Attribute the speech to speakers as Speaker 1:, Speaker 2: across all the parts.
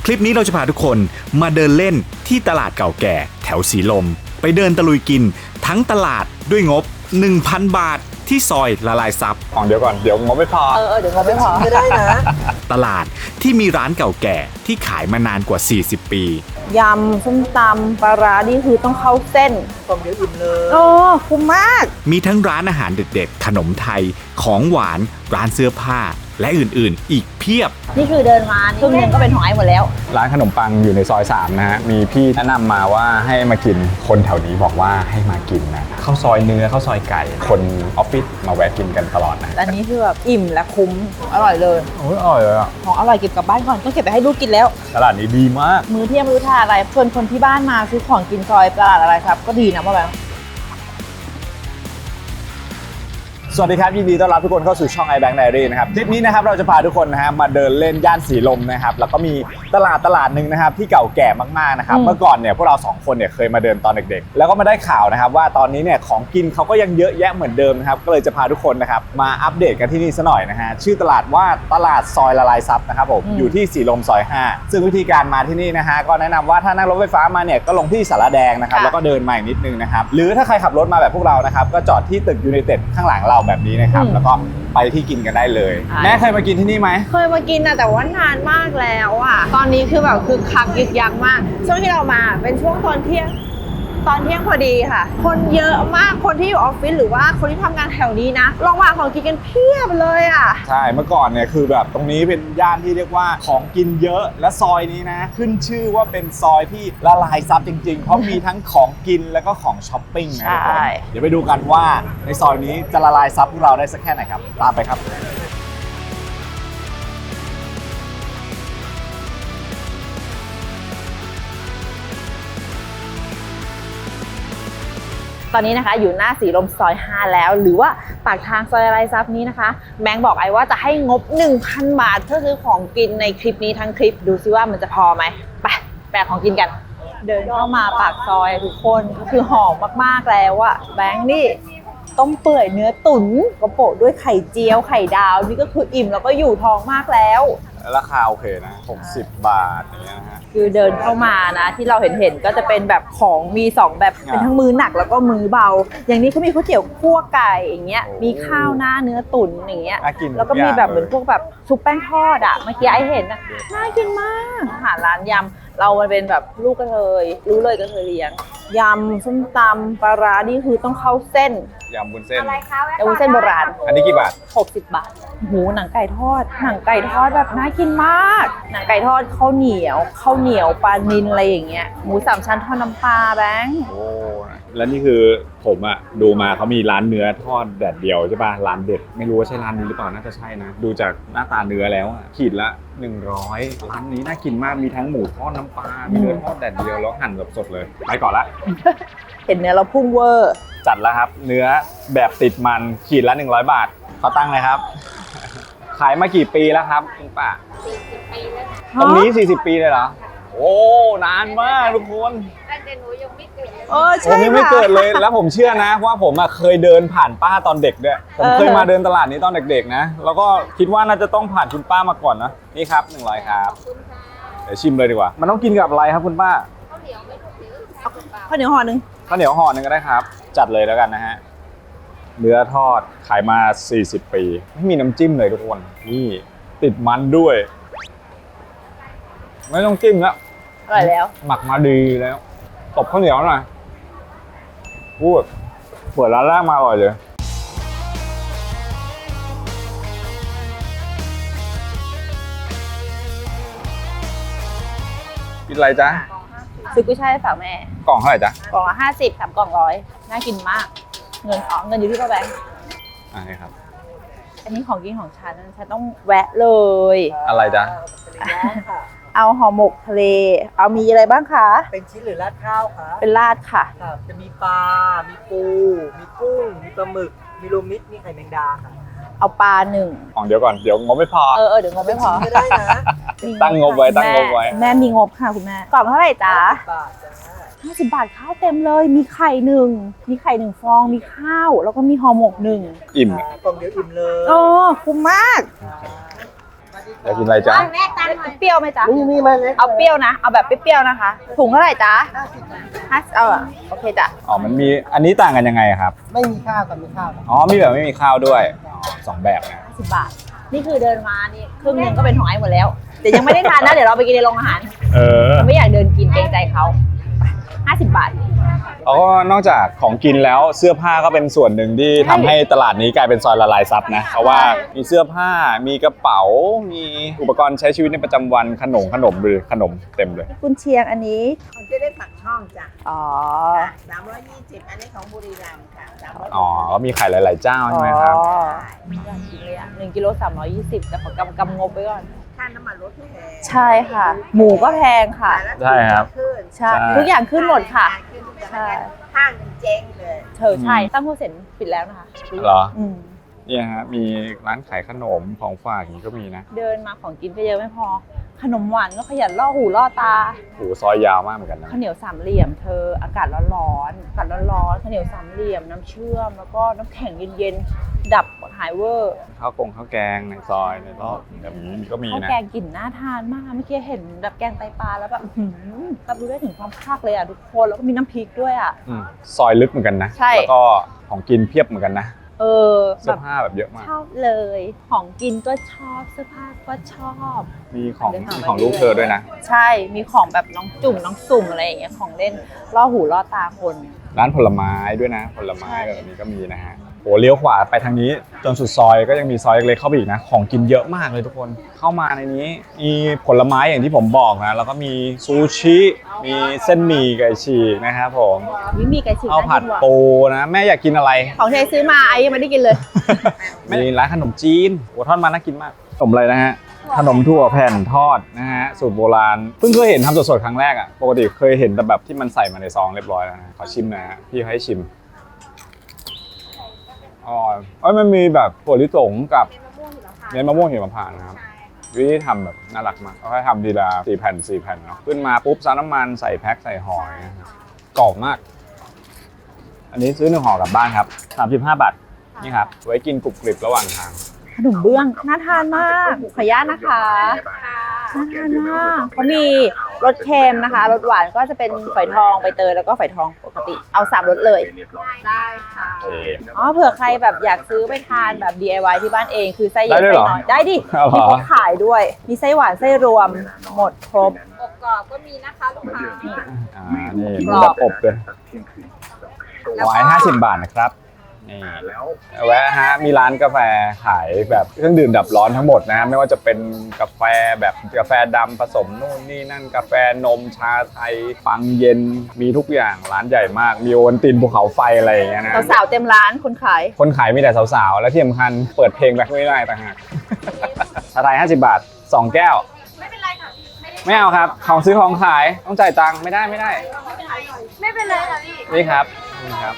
Speaker 1: คลิปนี้เราจะพาทุกคนมาเดินเล่นที่ตลาดเก่าแก่แถวสีลมไปเดินตะลุยกินทั้งตลาดด้วยงบ 1,000 บาทที่ซอยละลายซับเดี๋ยวก่อนเดี๋ยวงบไม่พอ
Speaker 2: เดี๋ยวงบไม่พอไม่ได้นะ
Speaker 1: ตลาดที่มีร้านเก่าแก่ที่ขายมานานกว่า40ปี
Speaker 2: ยำส้มตำปลาร้านี่คือต้องเข้าเส้น
Speaker 3: กล่องเดียวอิ่มเลย
Speaker 2: คุ้มมาก
Speaker 1: มีทั้งร้านอาหารเด็ดๆขนมไทยของหวานร้านเสื้อผ้าและอื่นๆอีกเพียบ
Speaker 2: นี่คือเดินมาครึ่งนึงก็เป็นของไอ้หมดแล้ว
Speaker 4: ร้านขนมปังอยู่ในซอย3นะฮะมีพี่แนะนำมาว่าให้มากินคนแถวนี้บอกว่าให้มากินนะข้าวซอยเนื้อข้าวซอยไก่คนออฟฟิศมาแวะกินกันตลอดนะ
Speaker 2: อันนี้คือแบบอิ่มและคุ้มอร่อยเลย
Speaker 4: โอ้ยอร่อยเลยอ่ะ
Speaker 2: ของอร่อยเก็บกลับบ้านก่อนก็เก็บไปให้ลูกกินแล้ว
Speaker 4: ตลาดนี้ดีมาก
Speaker 2: มื้อเที่ยงไม่รู้ทานอะไรชวนคนที่บ้านมาซื้อของกินซอยตลาดอะไรครับก็ดีนะว่าแบบ
Speaker 4: สวัสดีครับยินดีต้อนรับทุกคนเข้าสู่ช่อง iBank Diary นะครับคลิปนี้นะครับเราจะพาทุกคนนะฮะมาเดินเล่นย่านสีลมนะครับแล้วก็มีตลาดหนึ่งนะครับที่เก่าแก่มากๆนะครับเมื่อก่อนเนี่ยพวกเรา2คนเนี่ยเคยมาเดินตอนเด็กๆแล้วก็มาได้ข่าวนะครับว่าตอนนี้เนี่ยของกินเขาก็ยังเยอะแยะเหมือนเดิมนะครับก็เลยจะพาทุกคนนะครับมาอัปเดตกันที่นี่ซะหน่อยนะฮะชื่อตลาดว่าตลาดซอยละลายซับนะครับผมอยู่ที่สีลมซอย5ซึ่งวิธีการมาที่นี่นะฮะก็แนะนำว่าถ้านั่งรถไฟฟ้ามาเนี่ยก็ลงที่สารแดงนะครับแล้วก็เดินมาอีกนิดนึงนะครับหรือถ้าใครขับรถมาแบบพวกเรานะครับก็จอดที่ตึกยูไนเต็ดข้างหลังเราแบบนี้นะครับแล้วก็ไปที่กินกันได้เลยแม่เคยมากินที่นี่ไหม
Speaker 2: เคยมากินนะแต่ว่านานมากแล้วอ่ะตอนนี้คือแบบคือคักยึกยักมากช่วงที่เรามาเป็นช่วงตอนเที่ยงพอดีค่ะคนเยอะมากคนที่อยู่ออฟฟิศหรือว่าคนที่ทำงานแถวนี้นะลองวางของกินกันเพียบเลยอ่ะ
Speaker 4: ใช่เมื่อก่อนเนี่ยคือแบบตรงนี้เป็นย่านที่เรียกว่าของกินเยอะและซอยนี้นะขึ้นชื่อว่าเป็นซอยที่ละลายซับจริงๆเพราะมีทั้งของกินแล้วก็ของช้อปปิ้งนะทุกคนเดี๋ยวไปดูกันว่าในซอยนี้จะละลายซับพวกเราได้สักแค่ไหนครับตามไปครับ
Speaker 2: ตอนนี้นะคะอยู่หน้าสีลมซอย5แล้วหรือว่าปากทางซอยละลายซับนี้นะคะแบงค์บอกไอ้ว่าจะให้งบ 1,000 บาทเพื่อซื้อของกินในคลิปนี้ทั้งคลิปดูซิว่ามันจะพอไหมไปแปลของกินกันเดินเข้ามาปากซอยทุกคนก็คือหอมมากๆแล้วอะแบงค์นี่ต้มเปื่อยเนื้อตุ๋นกระโปะด้วยไข่เจียวไข่ดาวนี่ก็คืออิ่มแล้วก็อยู่ท้องมากแล้ว
Speaker 4: ราคาโอเคนะ60 บาทอย่างเงี้ยนะฮะ
Speaker 2: คือเดินเข้ามานะที่เราเห็นก็จะเป็นแบบของมี2แบบเป็นทั้งมื้อหนักแล้วก็มื้อเบาอย่างนี้เขามีก๋วยเตี๋ยวคั่วไก่อย่างเงี้ยมีข้าวหน้าเนื้อตุ๋นอย่างเงี้ยแล้วก็มีแบบเหมือนพวกแบบซุปแป้งทอดอ่ะเมื่อกี้ไอเห็นน่ะน่ากินมากอาหารร้านยำเรามันเป็นแบบลูกกระเทยรู้เลยกระเทยเลี้ยงยำส้มตำปลาร้านี่คือต้องเข้าเส้น
Speaker 4: ยำวุ้นเส้น
Speaker 2: ยำวุ้นเส้นโบราณ
Speaker 4: อันนี้กี่บาท
Speaker 2: 60 บาทหมูหนังไก่ทอดแบบน่ากินมากหนังไก่ทอดข้าวเหนียวปลานิลอะไรอย่างเงี้ยหมู3 ชั้นทอดน้ำปลาแบงค์
Speaker 4: โอ้แล้วนี่คือผมอะดูมาเขามีร้านเนื้อทอดแดดเดียวใช่ป่ะร้านเด็ดไม่รู้ว่าใช่ร้านนี้หรือเปล่าน่าจะใช่นะดูจากหน้าตาเนื้อแล้วอะขีดละ100ร้านนี้น่ากินมากมีทั้งหมูทอดน้ำปลามีเนื้อทอดแดดเดียวแล้วหั่นแบบสดเลยไปก่อนละ
Speaker 2: เห็นเนื้อเราพุ่งเวอร์
Speaker 4: จัดแล้วครับเนื้อแบบติดมันขีดละ100 บาทเขาตั้งเลยครับขายมากี่ปีแล้วครับคุณป้า40 ปีแล้วตรงนี้40 ปีเลยเหรอโอ้นานมากทุกคน
Speaker 2: ตั้งแต่หนูยังไม่เกิด
Speaker 4: ใช่ผมยังไม่เกิดเลยแล้วผมเชื่อนะว่าผมเคยเดินผ่านป้าตอนเด็กด้วยผมเคยมาเดินตลาดนี้ตอนเด็กๆนะแล้วก็คิดว่าน่าจะต้องผ่านคุณป้ามาก่อนนะนี่ครับ100ครับเดี๋ยวชิมเลยดีกว่ามันต้องกินกับอะไรครับคุณป้า
Speaker 2: ข้าวเหนียวห่อนึง
Speaker 4: ข้าวเหนียวห่อนึงก็ได้ครับจัดเลยแล้วกันนะฮะเนื้อทอดขายมา40 ปีไม่มีน้ำจิ้มเลยทุกคนนี่ติดมันด้วยไม่ต้องจิ้มแล้ว
Speaker 2: อร่อยแล้ว
Speaker 4: หมักมาดีแล้วตบข้าวเหนียวหน่อยพูดเปิดร้านแรกมาอร่อยเลยกินอะไรจ๊ะ
Speaker 2: ซื้อกุ้ยช่ายฝากแม่
Speaker 4: กล่องเท่าไหร่จ๊ะ
Speaker 2: กล่องละ50 3 กล่อง100น่ากินมากเงินอยู่ที่ป้าแบงค์
Speaker 4: นี่ครับ
Speaker 2: อันนี้ของกินของฉันต้องแวะเลย
Speaker 4: อะไรจ๊ะ
Speaker 2: เอาห่อหมกทะเลเอามีอะไรบ้างคะ
Speaker 3: เป็นชิ้นหรือราดข้าวคะ
Speaker 2: เป็นราดค่ะ
Speaker 3: จะมีปลา มีปูมีกุ้งมีปลาหมึกมีรวมมิตรมีไข่แมงดาค่ะ
Speaker 2: เอาปลา1
Speaker 4: เดี๋ยวก่อนเดี๋ยวงบไม่พอ
Speaker 2: เดี๋ยวงบไม่พอ
Speaker 3: ไม่ได้นะ
Speaker 4: ตั้งงบไว้
Speaker 2: แม่มีงบค่ะคุณแม่กล่องเท่าไหร่จ๊ะ50 บาทข้าวเต็มเลยมีไข่1ฟองมีข้าวแล้วก็มีห่อหมก1
Speaker 4: อิ่ม
Speaker 3: กล่องเดียวอิ่มเลย
Speaker 2: คุ้มมาก
Speaker 4: อยากกินอะไรจ๊ะ
Speaker 2: เปรี้ยวไหมจ๊ะ
Speaker 3: นี่มาเลย
Speaker 2: เอาเปรี้ยวนะ เอาแบบเปรี้ยวๆนะคะ ถุงเท่าไหร่จ๊ะเอาอะโอเคจ้ะ
Speaker 4: อ๋อมันมีอันนี้ต่างกันยังไงครับ
Speaker 3: ไม่มีข้าวกับมีข้าว
Speaker 4: อ๋อมีแบบไม่มีข้าวด้วยอ๋อสองแบบนะ
Speaker 2: 50 บาท นี่คือเดินมานี่ครึ่งหนึงก็เป็นของไอ้หมดแล้ว แต่ยังไม่ได้ทานนะ เดี๋ยวเราไปกินในโรงอาหาร
Speaker 4: เออ
Speaker 2: ไม่อยากเดินกินเกรงใจเขาไป50 บาท
Speaker 4: แล้วก็นอกจากของกินแล้วเสื้อผ้าก็เป็นส่วนหนึ่งที่ทำให้ตลาดนี้กลายเป็นซอยละลายซับนะเพราะว่ามีเสื้อผ้ามีกระเป๋า มีอุปกรณ์ใช้ชีวิตในประจำวันขนมหรือขนมเต็มเลย
Speaker 2: กุนเชียงอันนี้
Speaker 5: ของจะได้ปักช่องจ้ะ
Speaker 2: อ๋อ
Speaker 5: 320 อันนี้ของบุรีรัมย์ค่ะ320
Speaker 4: อ๋อก็มีขายหลาย ๆ เจ้าใช่ไหมครับ
Speaker 2: อ๋ออยากกินเลยอ่ะ1 กิโล 320แต่ขอกำงบไว้ก่อน
Speaker 5: ค่าน้ำมันรถแพง
Speaker 2: ใช่ค่ะ หมูก็แพงค่ะ
Speaker 4: ใช่ครับ
Speaker 5: ขึ้น
Speaker 2: ใช่
Speaker 4: ใช่
Speaker 2: ทุกอย่างขึ้นหมดค่ะ
Speaker 5: ขึ้นทุกอย่าง
Speaker 2: ใช่
Speaker 5: ห้างมันเจ๊งเลย
Speaker 2: เธอใช่ตั้งโฮเซ็นปิดแล้วนะคะ
Speaker 4: เหรอ
Speaker 2: อืม
Speaker 4: เนี่ยฮะมีร้านขายขนมของฝากอย่างนี้ก็มีนะ
Speaker 2: เดินมาของกินก็เยอะไม่พอ ขนมหวานก็ขยันล่อหูล่อตา
Speaker 4: โอ้โหซอยยาวมากเหมือนกันนะ
Speaker 2: ข้าวเหนียวสามเหลี่ยมเธออากาศร้อนๆอากาศร้อนๆข้าวเหนียวสามเหลี่ยมน้ำเชื่อมแล้วก็น้ำแข็งเย็นๆดับหายเวอร์
Speaker 4: ข้าวแกงในซอยในรอบแบบนี้ก็มี
Speaker 2: ข้าว
Speaker 4: นะ
Speaker 2: แกงกลิ่นน่าทานมากเมื่อกี้เห็นแบบแกงไตปลาแล้วแบบรับรู้ได้ถึงความภาคเลยอ่ะทุกคนแล้วก็มีน้ำพริกด้วยอ่ะ
Speaker 4: อืมซอยลึกเหมือนกันนะ
Speaker 2: ใช่
Speaker 4: แล้วก็ของกินเพียบเหมือนกันนะ
Speaker 2: เออ
Speaker 4: เสื้
Speaker 2: แบ
Speaker 4: อบ ผ้าแบบเยอะมาก
Speaker 2: ชอบเลย ของกินก็ชอบเสื้อผ้าก็ชอบ
Speaker 4: มีของลูกเธอด้วยนะ
Speaker 2: ใช่มีของแบบน้องจุ่มน้องสุ่มอะไรอย่างเงี้ยของเล่นล่อหูล่อตาคน
Speaker 4: ร้านผลไม้ด้วยนะ ผลไม้แบบนี้ก็มีนะฮะโหเลี้ยวขวาไปทางนี้จนสุดซอยก็ยังมีซอยเล็กๆเข้าไปอีกนะของกินเยอะมากเลยทุกคนเข้ามาในนี้มีผลไม้อย่างที่ผมบอกนะแล้วก็มีซูชิมีเส้นหมี่ไก่ฉีกนะครับผม
Speaker 2: นี่มีไก่ฉีก
Speaker 4: ข้าวผัด
Speaker 2: น่กินว่ะ
Speaker 4: ปูนะแม่อยากกินอะไร
Speaker 2: ของที่ไอ้ซื้อมาไอ้ยังไม่ได้กินเลย
Speaker 4: มีร้านขนมจีนโอ้ทอดมันน่ากินมากขนมอะไรนะฮะขนมถั่วแผ่นทอดนะฮะสูตรโบราณเพิ่งเคยเห็นทำสดๆครั้งแรกอ่ะปกติเคยเห็นแต่แบบที่มันใส่มาในซองเรียบร้อยแล้วนะขอชิมหนะฮะพี่ให้ชิมอ๋อมันมีแบบถั่วลิสงกับเนื้อมะม่วงหิมพานต์นะครับวิธีทำแบบน่ารักมากเขาให้ทำทีละ4 แผ่นเนาะขึ้นมาปุ๊บซาน้ำมันใส่แพ็คใส่ห่อนะครับกรอบมาก อันนี้ซื้อ1 ห่อกลับบ้านครับ35 บาทนี่ครับไว้กินกรุบกริบระหว่างทาง
Speaker 2: ขนมเบื้องน่าทานมากขออนุญาตนะคะน่าทานมากเขามีรสเค็มนะคะรสหวานก็จะเป็นฝอยทองใบเตยแล้วก็ฝอยทองปกติเอา3รสเลยได้ค่ะอ๋อเผื่อใครแบบอยากซื้อไปทานแบบ DIY ที่บ้านเองคือไส้เยอะ
Speaker 4: ได้ด้วย
Speaker 2: ไส้
Speaker 4: เหรอ
Speaker 2: น้อยได้ดิ
Speaker 4: เอาเหรอ
Speaker 2: มีเขาขายด้วย มีไส้หวานไส้รวมหมดครบ
Speaker 5: กรอบก็มีนะคะลูกค้า
Speaker 4: นี่มีแบบอบเลย150 บาทนะครับนี่แวะฮะมีร้านกาแฟขายแบบเครื่องดื่มดับร้อนทั้งหมดนะไม่ว่าจะเป็นกาแฟแบบกาแฟดำผสมนู่นนี่นั่นกาแฟนมชาไทยปังเย็นมีทุกอย่างร้านใหญ่มากมีโอวัลตินภูเขาไฟอะไรอย่างเงี้ยนะ
Speaker 2: สาวๆเต็มร้านคนขาย
Speaker 4: คนขายมีแต่สาวๆและที่สำคัญเปิดเพลงแบ็คไม่ได้ต่างหากชาไทย50 บาท 2 แก้วไม่เป็นไรค่ะไม่เอาครับของซื้อของขายต้องจ่ายตังค์ไม่ได้ไม่เป็นไรค่ะพี่นี่ครับนี่ครับ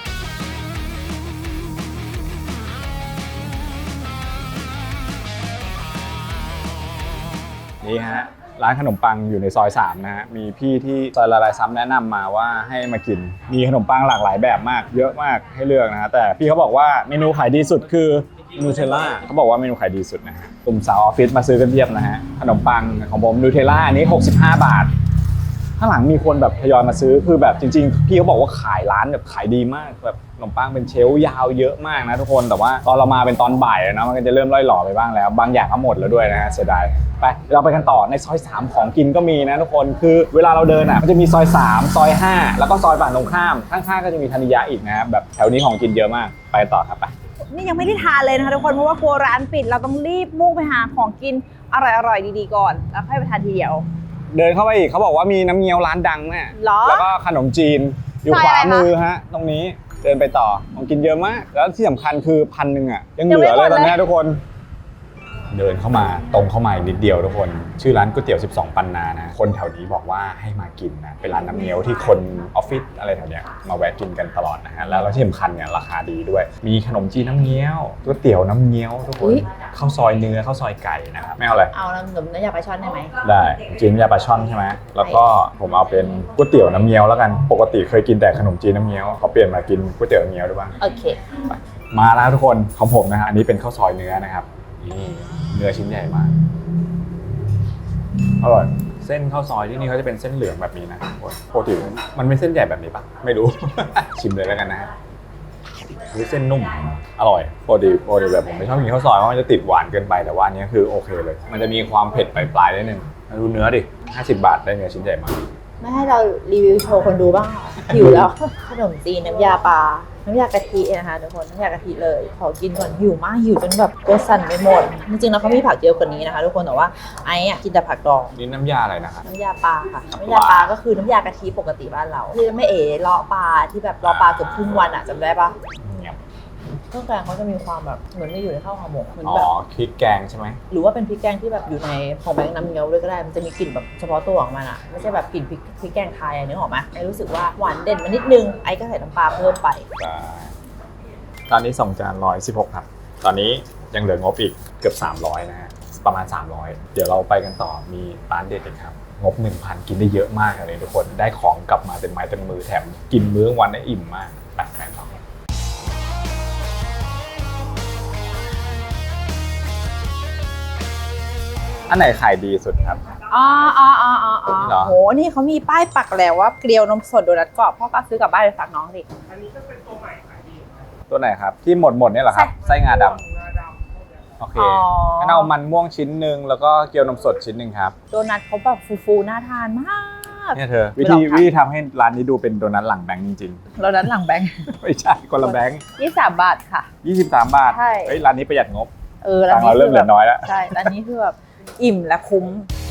Speaker 4: นี่ฮะร้านขนมปังอยู่ในซอย3นะฮะมีพี่ที่ซอยละลายซ้ำแนะนำมาว่าให้มากินมีขนมปังหลากหลายแบบมากเยอะมากให้เลือกนะฮะแต่พี่เขาบอกว่าเมนูขายดีสุดคือนูเทลล่าเขาบอกว่าเมนูขายดีสุดนะฮะกลุ่มสาวออฟฟิศมาซื้อกันเพียบนะฮะขนมปังของผมนูเทลล่าอันนี้65 บาทข้างหลังมีคนแบบทยอยมาซื้อคือแบบจริงๆพี่เขาบอกว่าขายร้านแบบขายดีมากแบบขนมปังเป็นเชลฟ์ยาวเยอะมากนะทุกคนแต่ว่าตอนเรามาเป็นตอนบ่ายนะมันก็จะเริ่มล่อยหล่อไปบ้างแล้วบางอย่างก็หมดแล้วด้วยนะฮะเสียดายไปเราไปกันต่อในซอย3ของกินก็มีนะทุกคนคือเวลาเราเดินอ่ะมันจะมีซอย3ซอย5แล้วก็ซอยฝั่งตรงข้ามข้างๆก็จะมีธนิยะอีกนะครับแบบแถวนี้ของกินเยอะมากไปต่อครับไป
Speaker 2: นี่ยังไม่ได้ทานเลยนะคะทุกคนเพราะว่ากลัวร้านปิดเราต้องรีบมุ่งไปหาของกินอร่อยๆดีๆก่อนแล้วค่อยไปทานทีเดียว
Speaker 4: เดินเข้าไปอีกเขาบอกว่ามีน้ำเงี้ยวร้านดังแม่
Speaker 2: หรอ
Speaker 4: แล้วก็ขนมจีนอยู่
Speaker 2: ซอย
Speaker 4: ขวา
Speaker 2: อะไรคะ
Speaker 4: มือฮะตรงนี้เดินไปต่อของกินเยอะมาก แล้วที่สำคัญคือ1,000อ่ะยังเหลือเลยตอนนี้ทุกคน เดินเข้ามาตรงเข้ามาอีกนิดเดียวทุกคนชื่อร้านก๋วยเตี๋ยว12 ปันนานะคนแถวนี้บอกว่าให้มากินนะเป็นร้านน้ำเงี้ยวที่คนออฟฟิศอะไรแถวเนี้ยมาแวะกินกันตลอดนะฮะแล้วที่สำคัญเนี่ยราคาดีด้วยมีขนมจีนน้ำเงี้ยวก๋วยเตี๋ยวน้ำเงี้ยวทุกคนข้าวซอยเนื้อข้าวซอยไก่นะครับไม่เอาอะไร
Speaker 2: เอาน้ำหนุ่มน้ำยาปลาช่อนได้ไหม
Speaker 4: ได้จีนยาปลาช่อนใช่ไหมแล้วก็ผมเอาเป็นก๋วยเตี๋ยวน้ำเงี้ยวแล้วกันปกติเคยกินแต่ขนมจีนน้ำเงี้ยวเขาเปลี่ยนมากินก๋วยเตี๋ยวน้ำเงี้ยวด้วยบ้าง
Speaker 2: โอเค
Speaker 4: มาแล้วทุกคนของผมนะฮะอันนี้เป็นข้าวซอยเนื้อนะครับนี่เนื้อชิ้นใหญ่มากอร่อยเส้นข้าวซอยที่นี่เขาจะเป็นเส้นเหลืองแบบนี้นะปกติมันไม่เส้นใหญ่แบบนี้ปะไม่รู้ ชิมเลยแล้วกันนะฮะเส้นนุ่มอร่อยปกติแบบผมไม่ชอบกินข้าวซอยเพราะมันจะติดหวานเกินไปแต่ว่าอันนี้คือโอเคเลยมันจะมีความเผ็ดปลายๆนิดนึงดูเนื้อดิ50 บาทได้เนื้อชิ้นใหญ่มาก
Speaker 2: ไม่ให้เรารีวิวโชว์คนดูบ้างเหรอหิวแล้ว ขนมจีนน้ำยาปลา น้ำยากะทินะคะทุกคน น้ำยากะทิเลย ขอกินก่อนหิวมากหิวจนแบบตัวสั่นไปหมด จริงๆแล้วเขามีผักเยอะกว่านี้นะคะทุกคนแต่ว่าไอ้อะกินแต่ผักดอง
Speaker 4: นี่น้ำยาอะไรนะครับ
Speaker 2: น้ำยาปลาค่ะ น้ำยาปลาก็คือน้ำยากะทิปกติบ้านเราที่ไม่เอ๋เลาะปลาที่แบบเลาะปลาเกือบครึ่งวันอะจำได้ปะเครื่องแกงเขาจะมีความแบบเหมือนไม่อยู่ในข้าวห่อหมกเหมือน
Speaker 4: อ๋อ
Speaker 2: แบบ
Speaker 4: พริกแกงใช่ไหม
Speaker 2: หรือว่าเป็นพริกแกงที่แบบอยู่ในของแบงค์น้ำเงี้ยวด้วยก็ได้ มันจะมีกลิ่นแบบเฉพาะตัวของมันอะไม่ใช่แบบกลิ่นพริกแกงไทยอะนึกออกไหมไอ้รู้สึกว่าหวานเด่นมานิดนึงไอ้ก็ใส่น้ำปลาเพิ่มไป
Speaker 4: ตอนนี้2 จาน116ครับตอนนี้ยังเหลืองบอีกเกือบ300นะฮะประมาณ300เดี๋ยวเราไปกันต่อมีร้านเด็ดอีกครับงบ 1,000 กินได้เยอะมากเลยทุกคนได้ของกลับมาเต็มไม้เต็มมือแถมกินมื้อกลางวันได้อิ่มมากแปลกๆต่ออันไหนขายดีสุดครับ
Speaker 2: อ๋อ
Speaker 4: เหรอ
Speaker 2: โห นี่เขามีป้ายปักแล้วว่าเกลียวนมสดโดนัทกรอบพ่อก็ซื้อกลับบ้านไปฝากน้องสิ
Speaker 4: ตัวไหนครับที่หมดเนี่ยเหรอครับไส้งาดำโอเคงั้นเอามันม่วงชิ้นหนึ่งแล้วก็เกี๊ยวนมสดชิ้นหนึ่งครับ
Speaker 2: โดนัทเขาแบบฟูๆน่าทานมาก
Speaker 4: เนี่ยเธอวิ
Speaker 2: ไม่ลอง
Speaker 4: ธี
Speaker 2: ทำ
Speaker 4: ทำให้ร้านนี้ดูเป็นโดนัทหลังแบงค์จริง
Speaker 2: โดนัทหลังแบงค์
Speaker 4: ๆ ไม่ใช่คนละแบงค์
Speaker 2: 23 บาทค่ะ
Speaker 4: 23 บาท
Speaker 2: ใช่
Speaker 4: เฮ้ยร้านนี้ประหยัดงบ
Speaker 2: ร้าน
Speaker 4: ตังค์เราเริ่มเหลือน้อยแล้ว
Speaker 2: ใช่ร้านนี้คือแบบอิ่มและคุ้ม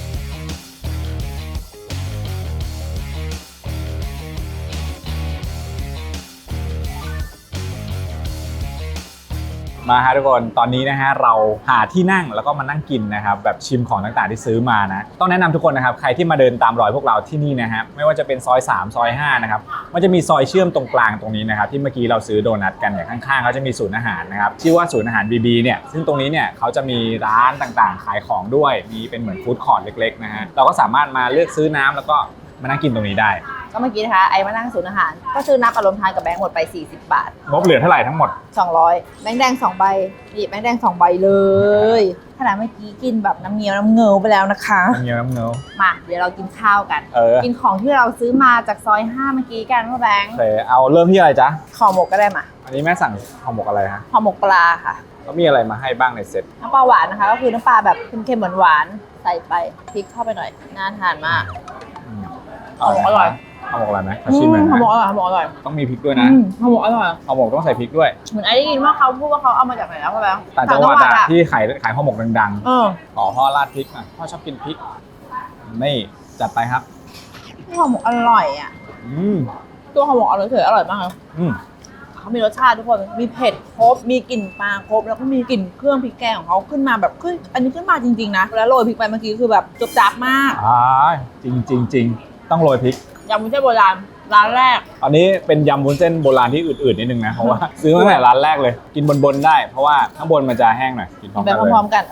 Speaker 4: มาฮะทุกคนตอนนี้นะฮะเราหาที่นั่งแล้วก็มานั่งกินนะครับแบบชิมของต่างๆที่ซื้อมานะต้องแนะนำทุกคนนะครับใครที่มาเดินตามรอยพวกเราที่นี่นะฮะไม่ว่าจะเป็นซอย3ซอย5นะครับมันจะมีซอยเชื่อมตรงกลางตรงนี้นะครับที่เมื่อกี้เราซื้อโดนัทกันเนี่ยข้างๆเขาจะมีศูนย์อาหารนะครับชื่อว่าศูนย์อาหาร BB เนี่ยซึ่งตรงนี้เนี่ยเขาจะมีร้านต่างๆขายของด้วยมีเป็นเหมือนฟู้ดคอร์ทเล็กๆนะฮะเราก็สามารถมาเลือกซื้อน้ำแล้วก็มานั่งกินตรงนี้ได้
Speaker 2: ก็เมื่อกี้นะคะไอ้มานั่งศูนย์อาหารก็ซื้อน้ำอารมณ์ทานกับแบงค์หมดไป40 บาท
Speaker 4: งบเหลือเท่าไหร่ทั้งหมด
Speaker 2: 200แบงค์แดง2ใบนี่แบงค์แดง2ใบเลยขนาดเมื่อกี้กินแบบน้ำเงี้ยวน้ำเงาไปแล้วนะคะ
Speaker 4: น้ำเงี้ยวน้ำเงี้ยว
Speaker 2: มาเดี๋ยวเรากินข้าวกัน
Speaker 4: กิ
Speaker 2: นของที่เราซื้อมาจากซอย5เมื่อกี้กันพ่อแบงค์
Speaker 4: โอเคเอาเริ่มที่อะไรจ๊ะ
Speaker 2: ห่อหมกก็ได้มา
Speaker 4: อันนี้แม่สั่งห่อหมกอะไรฮะ
Speaker 2: ห่อหมกปลาค่ะ
Speaker 4: แล้วมีอะไรมาให้บ้างในเซ็ต
Speaker 2: น้ำปลาหวานนะคะ ก็คือน้ำปลาแบบเค็มๆหวานๆใส่ไปพริกเข้าไปหน่อยน่าทานมาก ห่อหมกอร่อย
Speaker 4: ห่อหมกอะไรไหมขอชิมหน่อย
Speaker 2: ห่อ
Speaker 4: นะ
Speaker 2: หมกอร่อยห่อหมกอร่อย
Speaker 4: ต้องมีพริกด้วยนะ
Speaker 2: ห่อหมกอร่อย
Speaker 4: ห่อหมกต้องใส่พริกด้วย
Speaker 2: เหมือนไอ้ได้ยินว่าเขาพูดว่าเขาเอามาจากไหนแล้วพ่อแบงค์
Speaker 4: ต่างจังหวัดอะ
Speaker 2: อะ
Speaker 4: ที่ขายห่อหมกดัง
Speaker 2: เออ
Speaker 4: ๆขอพ่อราดพริกหน่อยพ่อชอบกินพริกนี่จัดไปครับ
Speaker 2: ห่อหมกอร่อยอ่ะ
Speaker 4: อืม
Speaker 2: ตัวห่อหมกอร่อยเฉยอร่อยมากเลย
Speaker 4: อืม
Speaker 2: เขามีรสชาติทุกคน มีเผ็ดครบ มีกลิ่นปลาครบ แล้วก็มีกลิ่นเครื่องพริกแกงของเขาขึ้นมาแบบขึ้นอันนี้ขึ้นมาจริงๆนะ แล้วโรยพริกไปเมื่อกี้คือแบบจุบจับมาก
Speaker 4: จริงต้องโรยพริก
Speaker 2: ยำมุ้นเส้นโบราณร้านแรก
Speaker 4: อันนี้เป็นยำวุ้นเส้นโบราณที่อืดๆนิดนึงนะเพราะว่าซื้อมาตั้งแต่ร้านแรกเลย กินบนๆได้เพราะว่าข้างบนมันจะแห้งหน่อยกินพร้อม
Speaker 2: ไป
Speaker 4: กันเลย
Speaker 2: พร้อมๆกัน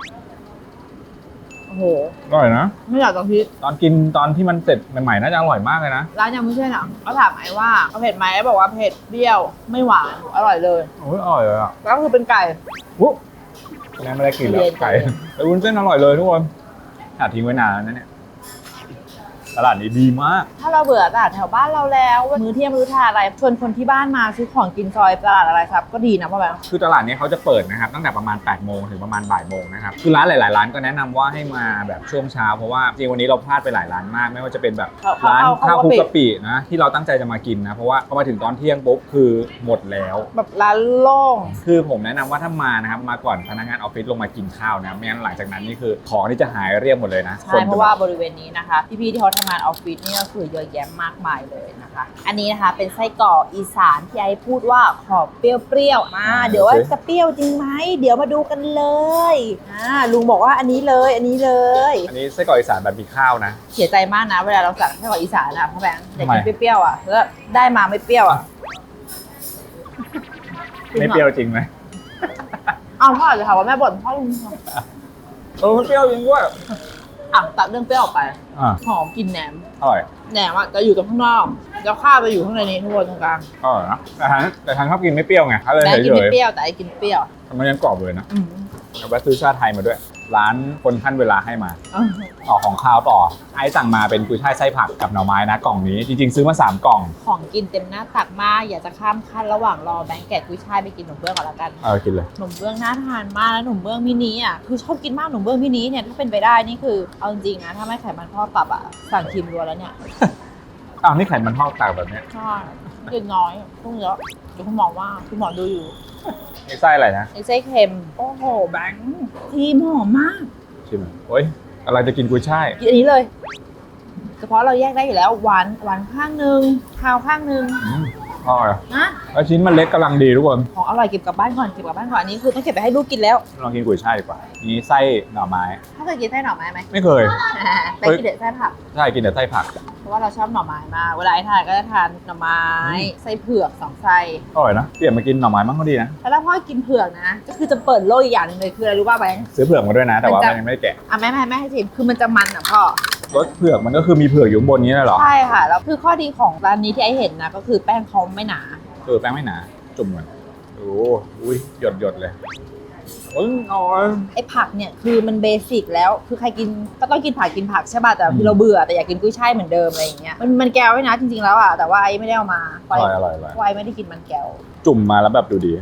Speaker 2: โอ้โห
Speaker 4: อร่อยนะ
Speaker 2: ไม่อยากจะคิด
Speaker 4: ตอนกินตอนที่มันเสร็จใหม่ๆน่าจะอร่อยมากเลยนะ
Speaker 2: ร้านยำมุ้นเส้นอ่ะเขาถามไอ้ว่าเอาเผ็ดไหมไอ้บอกว่าเผ็ดเปรี้ยวไม่หวานอร่อยเลย
Speaker 4: โอ้ยอร่อยเลยอ่ะ
Speaker 2: แล้วคือเป็นไก่
Speaker 4: วุ้บแม่ไม่ได้กินแล้ว
Speaker 2: เย็นๆ
Speaker 4: ไก่แต่วุ้นเส้นอร่อยเลยทุกคนหาทิ้งไว้นานแล้วนะเนี่ยตลาดนี้ดีมาก
Speaker 2: ถ้าเราเบื่อตลาดแถวบ้านเราแล้วมื้อเที่ยงมื้อทานอะไรชวนคนที่บ้านมาซื้อของกินซอยตลาดอะไรครับก็ดีนะพ่อแบงค์
Speaker 4: คือตลาดนี้เขาจะเปิดนะครับตั้งแต่ประมาณ8 โมงถึงประมาณบ่ายโมงนะครับคือร้านหลายๆร้านก็แนะนำว่าให้มาแบบช่วงเช้าเพราะว่าจริงวันนี้เราพลาดไปหลายร้านมาก ไม่ว่าจะเป็นแบบร้านข้าวคลุกกะปินะที่เราตั้งใจจะมากินนะเพราะว่าพอมาถึงตอนเที่ยงปุ๊บคือหมดแล้ว
Speaker 2: แบบร้านโล่ง
Speaker 4: คือผมแนะนำว่าถ้ามานะครับมาก่อนพนักงานออฟฟิศลงมากินข้าวนะไม่งั้นหลังจากนั้นนี่คือของที่จะหายเรียบหมดเลยนะ
Speaker 2: ใช่เพราะว่าบริเวณนี้นะคะพี่ๆที่เขาทำงานออฟฟิศนี่ก็คือเยอะแยะมากมายเลยนะคะ อันนี้นะคะเป็นไส้กรอกอีสานที่ไอ้พูดว่าขอเปรี้ยวๆเดี๋ยวว่าจะเปรี้ยวจริงไหมเดี๋ยวมาดูกันเลยลุงบอกว่าอันนี้เลยอันนี้เลย
Speaker 4: อันนี้ไส้กรอกอีสานแบบมีข้าวนะ
Speaker 2: เสียใจมากนะเวลาเราสั่งไส้กรอกอีสานอะพ่อแบงค์อยากกิน
Speaker 4: ทำไม
Speaker 2: เปรี้ยวๆอะแล้วได้มาไม่เปรี้ยวอะ
Speaker 4: ไม่เปรี้ยวจริงไหม
Speaker 2: อ้าวพ่ออาจจะถามว่าแม่บ่นพ่อลุง
Speaker 4: ไม่เปรี้ยวจริงด้วย
Speaker 2: ตัดเรื่องเปรี้ยวออกไป หอมกลินแหนม
Speaker 4: อร่อย
Speaker 2: แหนมอะจะอยู่ตรงข้างนอกแล้วข้าวจะอยู่ข้างในนี้ทุกคนตรงกลาง
Speaker 4: อร่อยนะแต่ทานชอบกินไม่เปรี้ยวไงเขาเลย
Speaker 2: แม่กิน
Speaker 4: เฉ
Speaker 2: ไม่
Speaker 4: ย
Speaker 2: เปรี้ยวแต่ไอ้กินเปรี้ยว
Speaker 4: ๆมันยังกรอบเลยนะ
Speaker 2: อืม
Speaker 4: เอาแวะซื้อชาไทยมาด้วยร้านคนขั้นเวลาให้มาต่อของข้าวต่อไอ้สั่งมาเป็นกุยช่ายไส้ผักกับหน่อไม้นะกล่องนี้จริงๆซื้อมา3กล่อง
Speaker 2: ของกินเต็มหน้าตักมากอยากจะข้ามขั้นระหว่างรอแบงค์แกะกุ้ยช่ายไปกินขนมเบื้องก่อนละกัน
Speaker 4: กินเลย
Speaker 2: ขนมเบื้องน่าทานมากแล้วขนมเบื้องมินิอ่ะคือชอบกินมากขนมเบื้องมินิเนี่ยถ้าเป็นไปได้นี่คือเอาจริงๆนะถ้าไม่ไขมันทอดปรับอ่ะสั่งครีมรัวแล้วเนี่ย
Speaker 4: อ้าวนี่ไขมันทอดต่างแบบเนี้ย
Speaker 2: ใช่กินน้อยต้องเยอะเดี๋ยวคุณหมอว่าคุณหมอดูอยู่
Speaker 4: นี่ไส้อะไรนะ
Speaker 2: ไอ้ไส้เค็มโอ้โหแบงค์ครีมหอมมาก
Speaker 4: ชิมโอ้ยอะไรจะกินกุยช่าย
Speaker 2: กินอันนี้เลยเฉพาะเราแยกได้อยู่แล้วหวานข้างนึงคาวข้างนึง
Speaker 4: อร่อย
Speaker 2: นะ
Speaker 4: แล้วชิ้นมันเล็กกำลังดีทุกคน
Speaker 2: ของอร่อยเก็บกลับบ้านก่อนอันนี้คือต้องเก็บไปให้ลูกกินแล้ว
Speaker 4: ลองกินกุยช่ายดีกว่านี่ไส้หน่อไม้
Speaker 2: ถ้าเคยกินไส้หน่อไม้ไหม
Speaker 4: ไม่เคย
Speaker 2: ไปกินเด็ดไส้ผัก
Speaker 4: ใช่กินแต่ไส้ผัก
Speaker 2: เพราะว่าเราชอบหน่อไม้มากเวลาไอ้ทานก็จะทานหน่อไม้ไส้เผือก2ไส้
Speaker 4: อร่อยนะเปลี่ยนมากินหน่อไม้มั่งก็ดีนะ
Speaker 2: แล้วพ่อกินเผือกนะก็คือจะเปิดโลกอีกอย่างหนึงเลยคืออะไรรู้ป่ะแบงค์
Speaker 4: ซื้อเผือกมาด้วยนะ แต่ว่า
Speaker 2: มันจะ
Speaker 4: มันยังไม่ได้แกะ
Speaker 2: อ่ะแม่ให้ชิมคือมันจะมันอ่ะพ่อ
Speaker 4: รสเผือกมันก็คือมีเผือกอยู่ข้างบนนี้เลยเหรอ
Speaker 2: ใช่ค่ะแล้วคือข้อดีของร้านนี้ที่ไอ้เห็นนะก็คือแป้งเขาไม่หนา
Speaker 4: แป้งไม่หนาจุ่มเหมือนโอ้อุ้ยหยดเลยอร่อย
Speaker 2: ไอ้ผักเนี่ยคือมันเบสิกแล้วคือใครกินก็ต้องกินผักใช่ป่ะแต่คือเราเบื่อแต่อยากกินกุ้ยช่ายเหมือนเดอะไรอย่างเงี้ยมันแก้วไว้นะจริงๆแล้วอ่ะแต่ว่าไอ้ไม่ได้เอามา
Speaker 4: อร่อย
Speaker 2: ไว้ไม่ได้กินมันแก้ว
Speaker 4: จุ่มมาแล้วแบบดูดี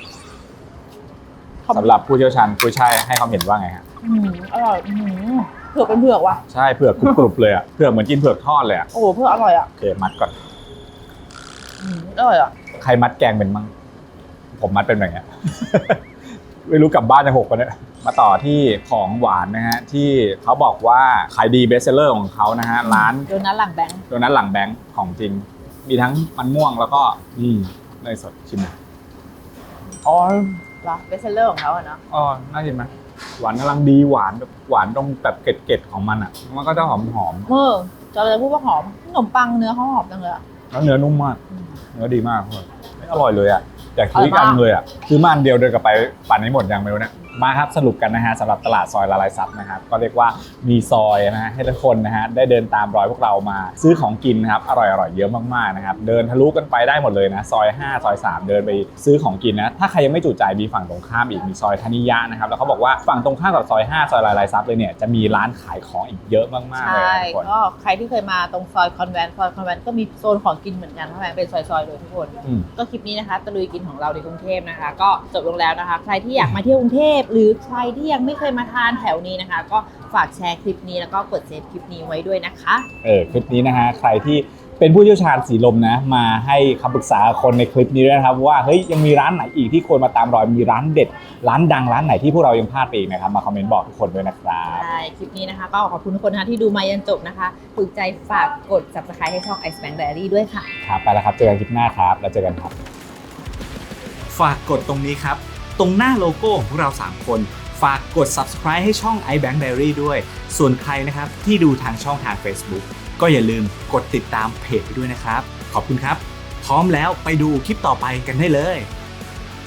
Speaker 4: สำหรับผู้เชี่ยวชาญกุ้ยช่ายให้ความเห็นว่าไงฮะ
Speaker 2: อร่อยเผือกเป็นเผือกว่ะ
Speaker 4: ใช่เผือกกรุบๆเลยอ่ะเผือกเหมือนกินเผือกทอดเลยอ่ะ
Speaker 2: โอ้โหเผือกอร่อยอ่ะ
Speaker 4: โอเคมัดก่อน
Speaker 2: อร่อยอ่ะ
Speaker 4: ใครมัดแกงเป็นมั่งผมมัดเป็นแบบเนี้ย ไม่รู้กลับบ้านจะหกปะเนี่ยมาต่อที่ของหวานนะฮะที่เขาบอกว่าขายดีเบสเซอร์ของเขานะฮะร้าน
Speaker 2: โดนัทหลังแบงค์
Speaker 4: โดนัทหลังแบงค์ของจริง มีทั้งมันม่วงแล้วก็เนยสดชิมหน่อยอ๋อ
Speaker 2: เหรอเบสเซลเลอร์ของเขาอะเนาะ
Speaker 4: อ๋อน่ากินไหมหวานกำลังดีหวานแบบหวานตรงแบบเกล็ดๆของมันอ่ะมันก็จะหอม
Speaker 2: จะเลยพูดว่าหอมขนมปังเนื้อเขาหอมจังเลยอะ
Speaker 4: ๆแล้วเนื้อนุ่มมากเนื้อดีมากเลยไม่อร่อยเลยอ่ะอยากซื้อ
Speaker 2: อร่อย
Speaker 4: กั
Speaker 2: มาน ก
Speaker 4: เลยอ่ะซื้อมาอันเดียวเดินกลับไปปั่นให้หมดยังไม่รู้เนี่ยมาครับสรุปกันนะฮะสำหรับตลาดซอยละลายซับนะครับก็เรียกว่ามีซอยนะฮะให้ทุกคนนะฮะได้เดินตามรอยพวกเรามาซื้อของกินนะครับอร่อยเยอะมากๆนะครับเดินทะลุกันไปได้หมดเลยนะซอย5ซอย3เดินไปซื้อของกินนะถ้าใครยังไม่จุใจมีฝั่งตรงข้ามอีกมีซอยธนิยะนะครับแล้วเขาบอกว่าฝั่งตรงข้ามกับซอย5ซอยละลายซับเลยเนี่ยจะมีร้านขายของอีกเยอะมากๆเลย
Speaker 2: ใช่
Speaker 4: นะทุกคน
Speaker 2: ก็ใครที่เคยมาตรงซอยคอนแวนต์ก็มีโซนของกินเหมือนกันเพราะมันเป็นซอยๆเลยทุกคน ก็คลิปนี้นะคะตะลุยกินของเราในกรุงเทพนะคะก็จบลงแล้วนะคะใครที่อยากมาเที่ยวกรุงเทพหรือใครที่ยังไม่เคยมาทานแถวนี้นะคะ ก็ฝากแชร์คลิปนี้แล้วก็กดเซฟคลิปนี้ไว้ด้วยนะคะ
Speaker 4: คลิปนี้นะฮะใครที่เป็นผู้เชี่ยวชาญสีลมนะมาให้คำปรึกษาคนในคลิปนี้ด้วยนะครับว่าเฮ้ยยังมีร้านไหนอีกที่ควรมาตามรอยมีร้านเด็ดร้านดังร้านไหนที่พวกเรายังพลาดไปอีกนะครับมาคอมเมนต์บอกทุกคนด้วยนะครับ
Speaker 2: ใช่คลิปนี้นะคะก็ขอบคุณทุกคนนะคะที่ดูมายันจบนะคะถูกใจฝากกด subscribe ให้ช่อง Ice Bank Diary ด้วยค่ะ
Speaker 4: ครับไปแล้วครับเจอกันคลิปหน้าครับแล้วเจอกันครับ
Speaker 1: ฝากกดตรงนี้ครับ ตรงหน้าโลโก้ของพวกเรา 3 คน ฝากกด subscribe ให้ช่อง iBank Diary ด้วย ส่วนใครนะครับที่ดูทางช่องทาง Facebook ก็อย่าลืมกดติดตามเพจไปด้วยนะครับ ขอบคุณครับ พร้อมแล้วไปดูคลิปต่อไปกันได้เลย